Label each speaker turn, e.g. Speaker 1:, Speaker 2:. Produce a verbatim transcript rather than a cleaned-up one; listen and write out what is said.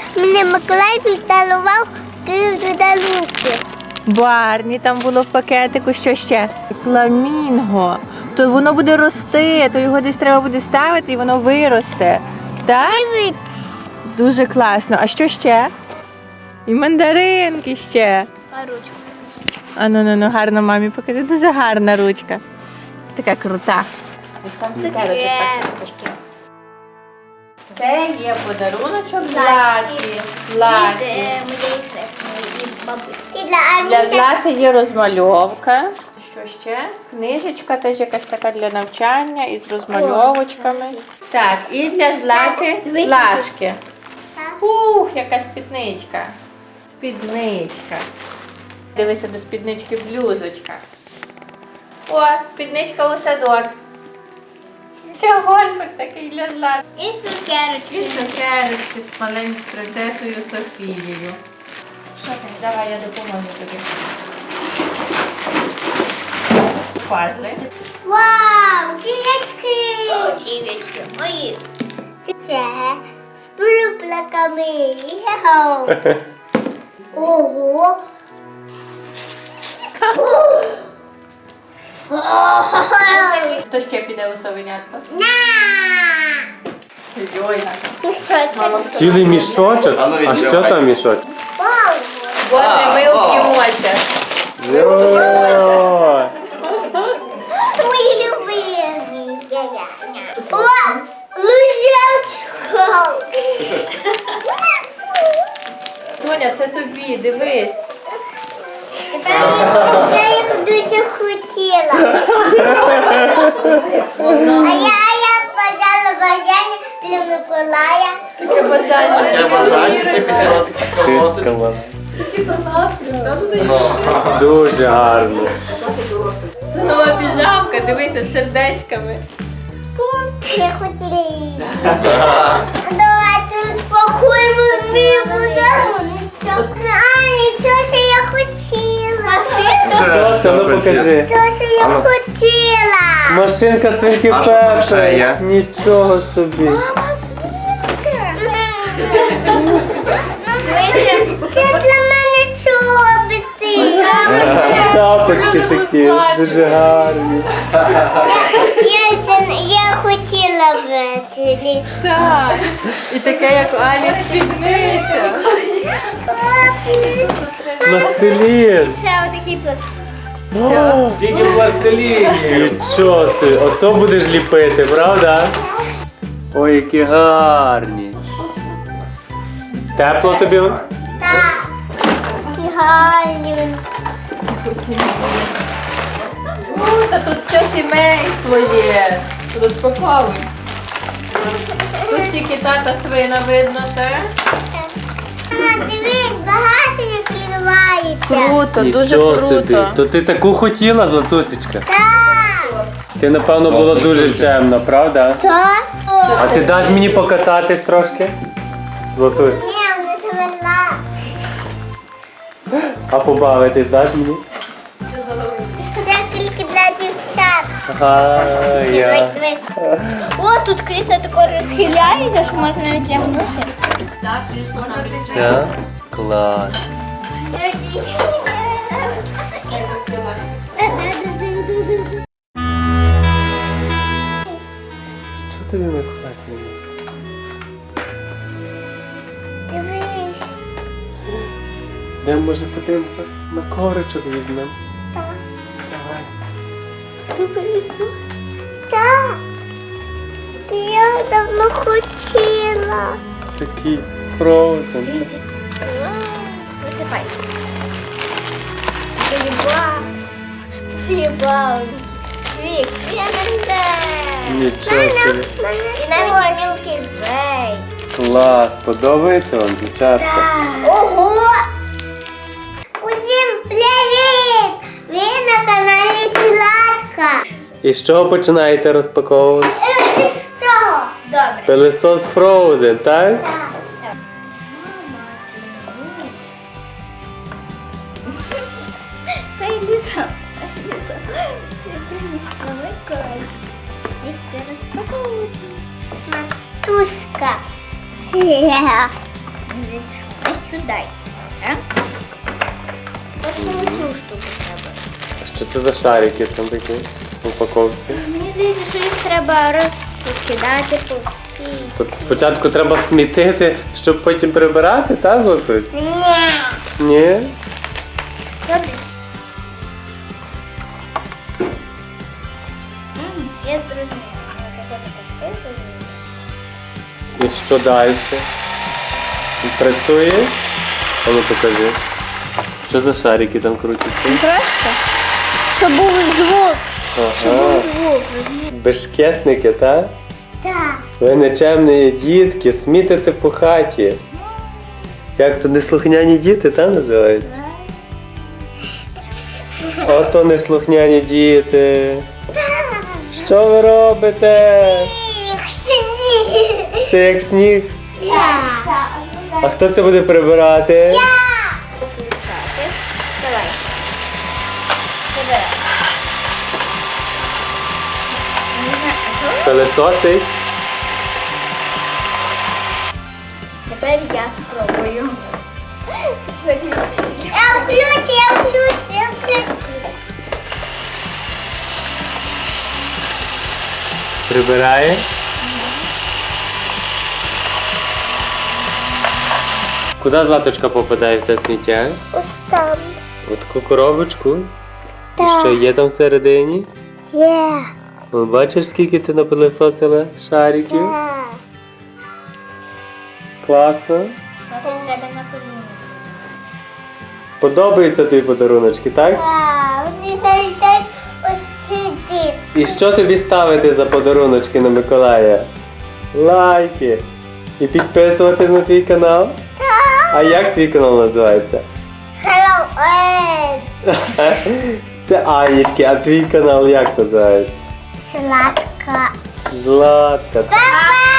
Speaker 1: мене Миколай піддарував подарунки.
Speaker 2: Барні там було в пакетику, що ще? Фламінго. То воно буде рости, то його десь треба буде ставити і воно виросте. Так?
Speaker 1: Дивіться.
Speaker 2: Дуже класно. А що ще? І мандаринки ще.
Speaker 1: А ручку?
Speaker 2: А ну ну ну гарно мамі покажи. Дуже гарна ручка. Така крута.
Speaker 1: Цукерочки.
Speaker 2: Це є подаруночок
Speaker 1: Златі.
Speaker 2: Златі.
Speaker 1: Від е, моєї хресної і бабусі. І для
Speaker 2: Для
Speaker 1: Агнісі.
Speaker 2: Злати є розмальовка. Що ще? Книжечка теж якась така для навчання із розмальовочками. Так, і для Злати
Speaker 1: Дивись,
Speaker 2: лашки.
Speaker 1: Так.
Speaker 2: Ух, яка спідничка. Спідничка. Дивися, до спіднички блюзочка. О, спідничка у садок. Ще гольфик такий для Злати.
Speaker 1: І
Speaker 2: І
Speaker 1: цукерочки.
Speaker 2: цукерочки з маленькою принцесою Софією. Що там? Давай, я допоможу тобі. Пазли.
Speaker 1: Вау, дівчатки. О, дівчатки, мої. Це з пруплаками. Йоу. Ого.
Speaker 2: Хто ще піде у совенятко?
Speaker 1: На!
Speaker 2: Йой,
Speaker 1: І що це?
Speaker 3: Цілий мішочок? А що там мішочок?
Speaker 1: Вау.
Speaker 2: Боже, ми об'ємося.
Speaker 3: Йой!
Speaker 1: Мої любимі. О, лужечко.
Speaker 2: Тоня, це тобі, дивись.
Speaker 1: Тепер я їх дуже хотіла. А я, а я бажала бажання для Миколая.
Speaker 2: Таке бажання.
Speaker 4: Я бажаю, ти хотіла такі колоти.
Speaker 3: Дуже гарно.
Speaker 2: Це нова піжамка, дивися, з сердечками.
Speaker 1: Я хотіла її. Давайте успокоїмо свій подарунок. А, нічого, що я хотіла. Машинка?
Speaker 3: Що це? Ну покажи.
Speaker 1: Що це я хотіла?
Speaker 3: Машинка свинки
Speaker 4: А що там ще
Speaker 3: Пепи.
Speaker 4: є?
Speaker 3: Нічого собі.
Speaker 1: Мама, свинка. Це для мене чоботи.
Speaker 3: Тапочки такі, дуже гарні.
Speaker 1: Я, я хотіла ввечері.
Speaker 2: Так. І таке, як у Алі спідниця.
Speaker 3: Пластилін.
Speaker 1: Ще отакий пластик.
Speaker 3: О,
Speaker 4: Скільки пластилінів.
Speaker 3: нічого собі. Ото будеш ліпити, правда? Ой, які гарні. Тепло тобі?
Speaker 1: Так. І гарні.
Speaker 2: О, та тут все сімейство є. Розпаковуй. Тут тільки тата свина видно, так?
Speaker 1: Мама, дивись, багажник відкривається.
Speaker 2: Круто, дуже
Speaker 3: Нічого собі.
Speaker 2: круто.
Speaker 3: То ти таку хотіла, Златусечка?
Speaker 1: Так.
Speaker 3: Ти, напевно, було дуже чемно, правда?
Speaker 1: Так?
Speaker 3: А ти даш мені покататись трошки? Златусь.
Speaker 1: Ні, не завела.
Speaker 3: А побавитись даш мені?
Speaker 1: Це тільки для дівчат.
Speaker 3: Ага, я.
Speaker 1: Дивись. О, тут крісло таке розхиляється, що можна навіть лягнути.
Speaker 2: Так, прийшло навіть.
Speaker 3: Так? Клас. Що тобі Миколай приніс?
Speaker 1: Дивись.
Speaker 3: Де може подивимося? На ковричок візьмемо.
Speaker 1: Так.
Speaker 3: Давай.
Speaker 1: Ти пилісос? Так. Я давно хотіла.
Speaker 3: Такий фроузен.
Speaker 1: Клас. Висипай. Заїбав. Заїбав. Вік, я не знаю.
Speaker 3: Нічого собі.
Speaker 1: І навіть мілкий вей.
Speaker 3: Клас, подобається вам, дівчатка?
Speaker 1: Ого! Усім привіт! Ви на каналі Сладка.
Speaker 3: І з чого починаєте розпаковувати?
Speaker 1: І з цього? Добре.
Speaker 3: Пилисос Frozen, так?
Speaker 1: Так. Та йди сам. Йди сам. Я принесла Миколай. І ти розпаковувати. Матуська. Ось сюди. Так? Ось цю штуку треба.
Speaker 3: Що це за шарики там такі в упаковці?
Speaker 1: Мені здається, що їх треба розкидати по всій.
Speaker 3: Тут спочатку треба смітити, щоб потім прибирати, та, Златусь?
Speaker 1: Ні.
Speaker 3: Ні?
Speaker 1: Добре. М, Я зрозуміла. Ну, так, так, так,
Speaker 3: І що далі? Працює? А ну покажи. Що за шарики там крутяться?
Speaker 1: Просто, щоб був звук.
Speaker 3: Ага.
Speaker 1: Звук.
Speaker 3: Бешкетники, так?
Speaker 1: Так.
Speaker 3: Ви нечемні дітки, смітите по хаті. Як то неслухняні діти, та називається? Ото неслухняні діти. Що ви робите? Це як сніг. А хто це буде прибирати?
Speaker 1: Давай. Забирай. Не знаю, а що?
Speaker 3: Пилесосить.
Speaker 1: Тепер я спробую. Я включу, я включу, я включу.
Speaker 3: Прибирає. Куди Златочка попадає все сміття?
Speaker 1: Ось там.
Speaker 3: У таку коробочку. І
Speaker 1: Так.
Speaker 3: що є там всередині?
Speaker 1: Є.
Speaker 3: О, бачиш, скільки ти напилесосила шариків? Класно.
Speaker 1: Смотри, в тебе на коліні.
Speaker 3: Подобаються тобі подаруночки, так?
Speaker 1: Так, вони залітають ось ці дітки.
Speaker 3: І що тобі ставити за подаруночки на Миколая? Лайки. І підписуватись на твій канал?
Speaker 1: Так.
Speaker 3: А як твій канал називається?
Speaker 1: Hello, Ed.
Speaker 3: Це Анічки, а твій канал як називається?
Speaker 1: Сладка.
Speaker 3: Златка.
Speaker 1: Папа!